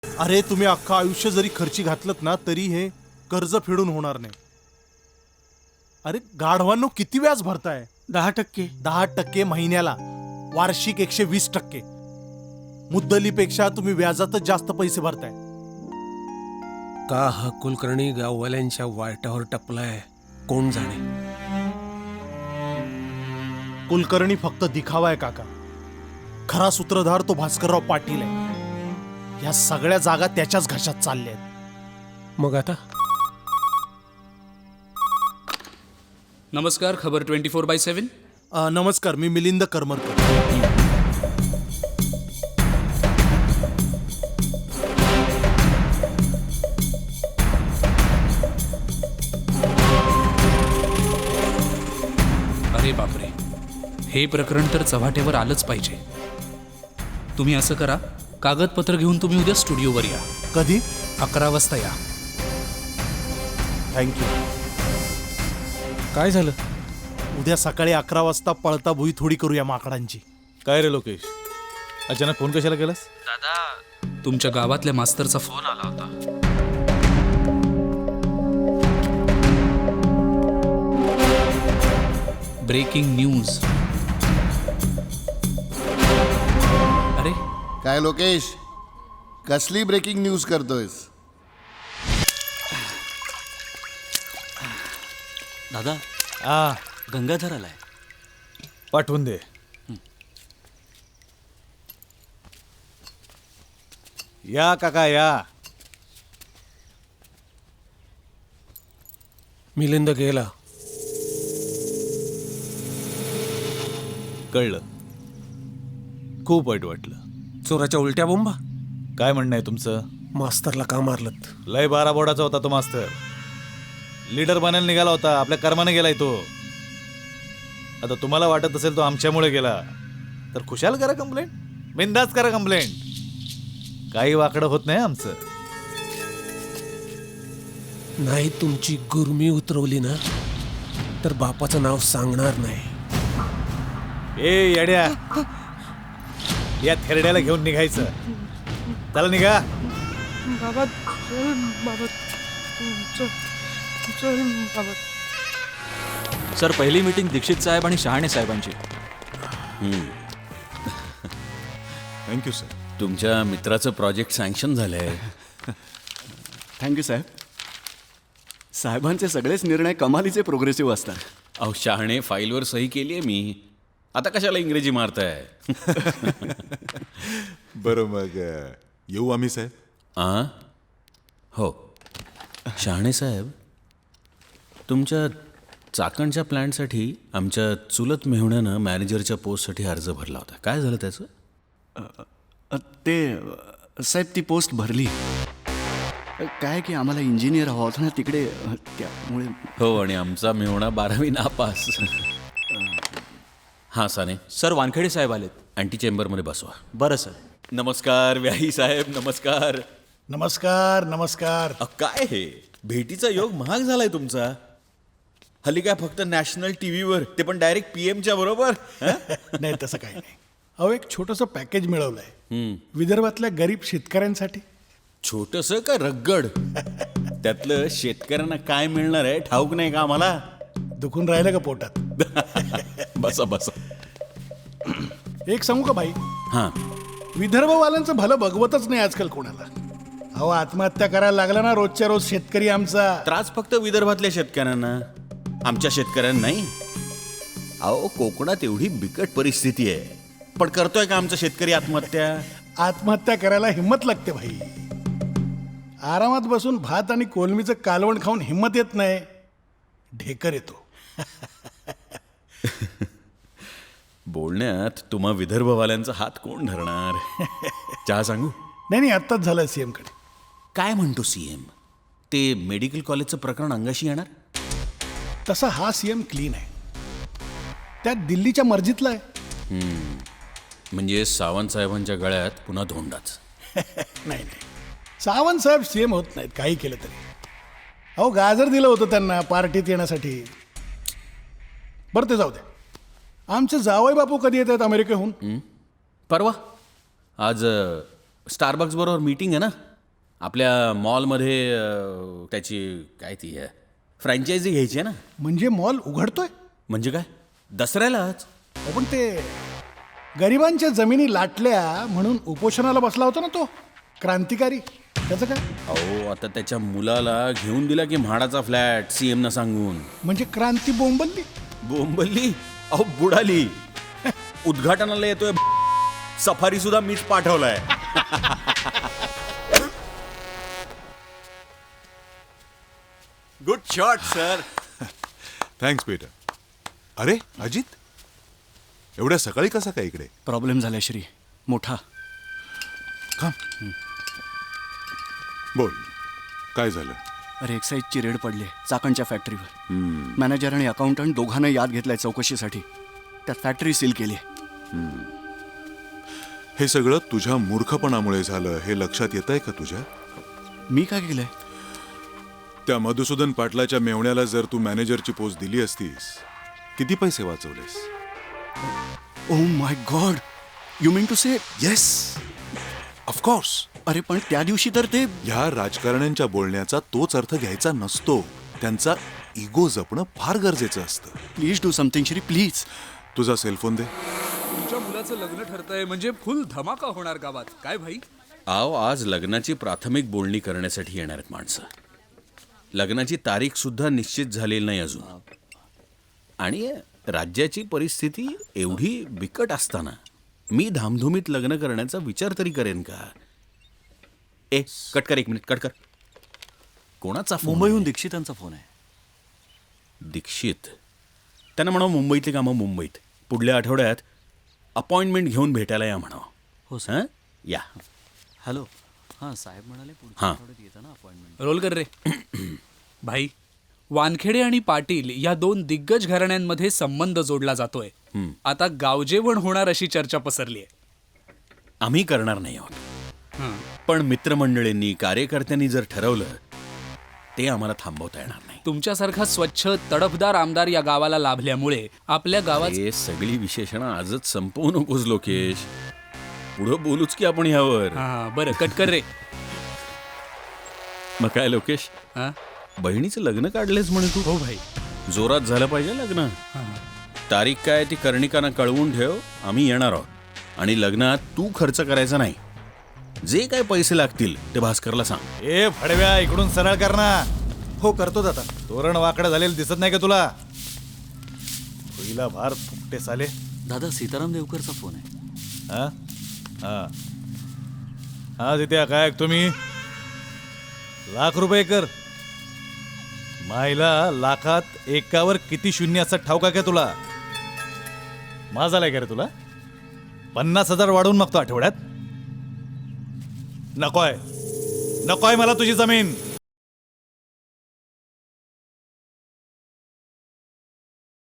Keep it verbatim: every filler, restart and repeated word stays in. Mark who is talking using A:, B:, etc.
A: अरे तुम्ही अख्खं आयुष्य जरी खर्ची घातलत ना तरी हे कर्ज फेडून होणार नाही. अरे गाढवांनो किती व्याज भरताय?
B: दहा टक्के
A: दहा टक्के महिन्याला, वार्षिक एकशे वीस टक्के. मुद्दलीपेक्षा तुम्ही व्याजातच जास्त पैसे भरताय.
C: का हा कुलकर्णी गाववाल्यांच्या वाटावर टपलाय कोण जाणे.
A: कुलकर्णी फक्त दिखावा आहे काका. खरा सूत्रधार तो भास्करराव पाटील आहे. या सगळ्या जागा त्याच्याच घशात चालल्या आहेत.
C: मग आता
D: नमस्कार, खबर ट्वेंटी फोर बाय सेवन.
A: अ, नमस्कार, मी मिलिंद करमरकर.
D: अरे बापरे, हे प्रकरण तर चव्हाट्यावर आलंच पाहिजे. तुम्ही असं करा, कागदपत्र घेऊन तुम्ही उद्या स्टुडिओवर या.
A: कधी?
D: अकरा वाजता या.
A: थँक्यू.
C: काय झालं?
A: उद्या सकाळी अकरा वाजता पळता भुई थोडी करूया माकडांची.
E: काय रे लोकेश, अचानक फोन कशाला केलास?
D: दादा, तुमच्या गावातल्या मास्तरचा फोन आला होता. Breaking news. अरे
F: काय लोकेश, कसली ब्रेकिंग न्यूज करतोयस?
G: दादा,
E: आ
G: गंगाधर आलाय.
E: पाठवून दे. या काका या.
C: मिलिंद गेला.
E: कळलं, खूप वाईट वाटलं.
C: चोराच्या उलट्या बोंबा.
E: काय म्हणणं आहे तुमचं?
C: मास्तरला का मारलत?
E: लय बारा बोर्डाचा होता तो मास्तर. लीडर बनायला निघाला होता, आपल्या कर्माने गेलाय तो. आता तुम्हाला वाटत असेल तो आमच्यामुळे गेला तर खुशाल करा कंप्लेंट, बिंदास करा कंप्लेंट. काही वाकडं होत नाही आमचं.
C: नाही तुमची गुरमी उतरवली ना तर बापाचं नाव सांगणार नाही.
E: ए येड्या, या थेरड्याला घेऊन निघायचं. चला निघा.
B: बाबा चल बाबा चल चल बाबा.
G: सर, पहिली मीटिंग दीक्षित साहेब आणि शहाणे साहेबांची.
E: Thank you sir.
H: तुमच्या मित्राचं प्रोजेक्ट सँक्शन झालंय.
I: थँक्यू साहेब. साहेबांचे सगळेच निर्णय कमालीचे प्रोग्रेसिव्ह असतात.
H: अहो शहाणे, फाईलवर सही केली आहे मी. आता कशाला इंग्रजी मारताय?
J: बरं मग येऊ आम्ही साहेब.
H: आ हो शहाणे साहेब, तुमच्या चाकणच्या प्लॅनसाठी आमच्या चुलत मेहुण्यानं मॅनेजरच्या पोस्टसाठी अर्ज भरला होता. काय झालं त्याचं?
I: अ, ते अ, साहेब ती पोस्ट भरली. काय की आम्हाला इंजिनियर हवा होता ना तिकडे, अ, त्यामुळे.
H: हो, आणि आमचा मेहुणा बारावी नापास. हां साने
G: सर, वानखेडे साहेब आलेत.
H: अँटी चेंबरमध्ये बसवा.
G: बरं सर.
H: नमस्कार व्याही साहेब. नमस्कार.
A: नमस्कार नमस्कार.
H: अ, काय हे भेटीचा योग महाग झालाय तुमचा. हल्ली काय फक्त नॅशनल टीव्हीवर, ते पण डायरेक्ट पीएमच्या बरोबर.
B: नाही तसं काही नाही. अहो, एक छोटंसं पॅकेज मिळवलंय विदर्भातल्या गरीब शेतकऱ्यांसाठी.
H: छोटस का रगड? त्यातलं शेतकऱ्यांना काय मिळणार आहे ठाऊक नाही का आम्हाला?
B: दुखून राहिलं का पोटात?
H: बसा बसा.
B: एक सांगू का भाई,
H: हां
B: विदर्भवाल्यांचं भलं बघवतच नाही आजकाल कोणाला. अहो, आत्महत्या करायला लागला ना रोजच्या रोज शेतकरी आमचा.
H: त्रास फक्त विदर्भातल्या शेतकऱ्यांना, आमच्या शेतकऱ्यांना नाही. अहो कोकणात एवढी बिकट परिस्थिती आहे, पण करतोय का आमचा शेतकरी आत्महत्या?
B: आत्महत्या करायला हिंमत लागते भाई. आरामात बसून भात आणि कोलमीचं कालवण खाऊन हिंमत येत नाही, ढेकर येतो.
H: बोलण्यात तुम्हा विदर्भवाल्यांचा हात कोण धरणार? चहा सांगू?
B: नाही नाही, आत्ताच झालं सीएम कडे.
H: काय म्हणतो सीएम? ते मेडिकल कॉलेजचं प्रकरण अंगाशी येणार?
B: तसा हा सीएम क्लीन आहे, त्यात दिल्लीच्या मर्जीतला आहे.
H: म्हणजे सावंत साहेबांच्या गळ्यात पुन्हा धोंडाच.
B: नाही नाही, सावंत साहेब सीएम होत नाहीत काही केलं तरी. अहो, गाजर दिलं होतं त्यांना पार्टीत येण्यासाठी. बरं ते जाऊ दे. आमचे जावई बापू कधी येत आहेत अमेरिकेहून?
H: परवा. आज स्टारबक्स बरोबर मीटिंग आहे ना. आपल्या मॉलमध्ये अं, त्याची काय ती फ्रँचायझी घ्यायची आहे ना.
B: म्हणजे मॉल उघडतोय?
H: म्हणजे काय, दसऱ्यालाच.
B: अहो, पण ते गरिबांच्या जमिनी लाटल्या म्हणून उपोषणाला बसला होता ना तो क्रांतिकारी, त्याचं काय?
H: अहो आता त्याच्या मुलाला घेऊन दिला की म्हाडाचा फ्लॅट सी एम न सांगून.
B: म्हणजे क्रांती बोंबलली.
H: बोंबल्ली अहो बुडाली. उद्घाटनाला येतोय, सफारी सुद्धा मीच पाठवलाय.
I: Good shot sir.
J: थँक्स बेटा. अरे अजित, एवढ्या सकाळी कसा काय इकडे?
I: प्रॉब्लेम झाला श्री, मोठा.
J: बोल, काय झालं?
I: अरे एक्साईजची रेड पडली चाकणच्या फॅक्टरीवर. मॅनेजर आणि अकाउंटंट दोघांना याद घेतलाय चौकशीसाठी. त्यात फॅक्टरी सील केली.
J: हे सगळं तुझ्या मूर्खपणामुळे झालं हे लक्षात येत आहे का तुझ्या?
I: मी काय केलंय?
J: त्या मधुसूदन पाटलाच्या मेवण्याला जर तू मॅनेजरची पोस्ट दिली असतीस, किती पैसे वाचवलेस?
I: Oh my god, you mean to say?
J: Yes, of course.
I: अरे पण त्या दिवशी तर ते
J: ह्या राजकारण्यांच्या बोलण्याचा तोच अर्थ घ्यायचा नसतो. त्यांचा इगो जपणं फार गरजेचं असतं.
I: Please do something Shri, please.
J: तुझा सेलफोन दे.
D: तुमच्या मुलाचं लग्न ठरतंय म्हणजे फुल धमाका होणार गावात. काय भाई?
H: आओ, आज लग्नाची प्राथमिक बोलणी करण्यासाठी येणार आहेत माणसं. लग्नाची तारीख सुद्धा निश्चित झालेली नाही अजून. आणि राज्याची परिस्थिती एवढी बिकट असताना मी धामधुमीत लग्न करण्याचा विचार तरी करेन का? ए कट कर, एक मिनिट कट कर. कोणाचा फोन?
I: मुंबईहून दीक्षितांचा फोन आहे.
H: दीक्षित? त्यांना म्हणावं मुंबईतली कामं मुंबईत, पुढल्या आठवड्यात अपॉइंटमेंट घेऊन भेटायला या म्हणावं.
I: हो सर.
H: हां या.
I: हॅलो. हां साहेब म्हणाले
H: हां.
I: आठवड्यात येतं ना अपॉइंटमेंट.
D: रोल कर रे. भाई, वानखेडे आणि पाटील या दोन दिग्गज घराण्यांमध्ये संबंध जोडला जातोय. आता गावजेवण होणार अशी चर्चा पसरली आहे.
H: आम्ही करणार नाही आहोत, पण मित्रमंडळींनी कार्यकर्त्यांनी जर ठरवलं ते आम्हाला थांबवता येणार नाही.
D: तुमच्यासारखा स्वच्छ तडफदार आमदार या गावाला लाभल्यामुळे आपल्या गावात
H: हे सगळी विशेषणं आजच संपवू नकोस लोकेश. पुढं बोलूच की आपण ह्यावर.
D: हा बरं, कट कर रे.
H: मग काय लोकेश,
D: हा?
H: बहिणीचं लग्न काढलेस म्हणे तू?
D: हो भाई.
H: जोरात झालं पाहिजे लग्न. तारीख काय ती कर्णिकांना कळवून ठेव, आम्ही येणार आहोत. आणि लग्नात तू खर्च करायचा नाही. जे काय पैसे लागतील ते भास्करला सांग.
E: ए फडव्या, इकडून सरळ कर ना.
A: हो करतो दादा.
E: तोरण वाकडं झालेलं दिसत नाही का तुला? होईला भार फुकटे साले.
I: दादा सीताराम देवकरचा फोन आहे.
E: हा हा हा तिथे काय तुम्ही लाख रुपये कर. मायला लाखात एकावर किती शून्य असं ठाऊका काय तुला? माझा लाय का रे तुला? पन्नास हजार वाढवून मागतो आठवड्यात. नकोय नकोय मला तुझी जमीन.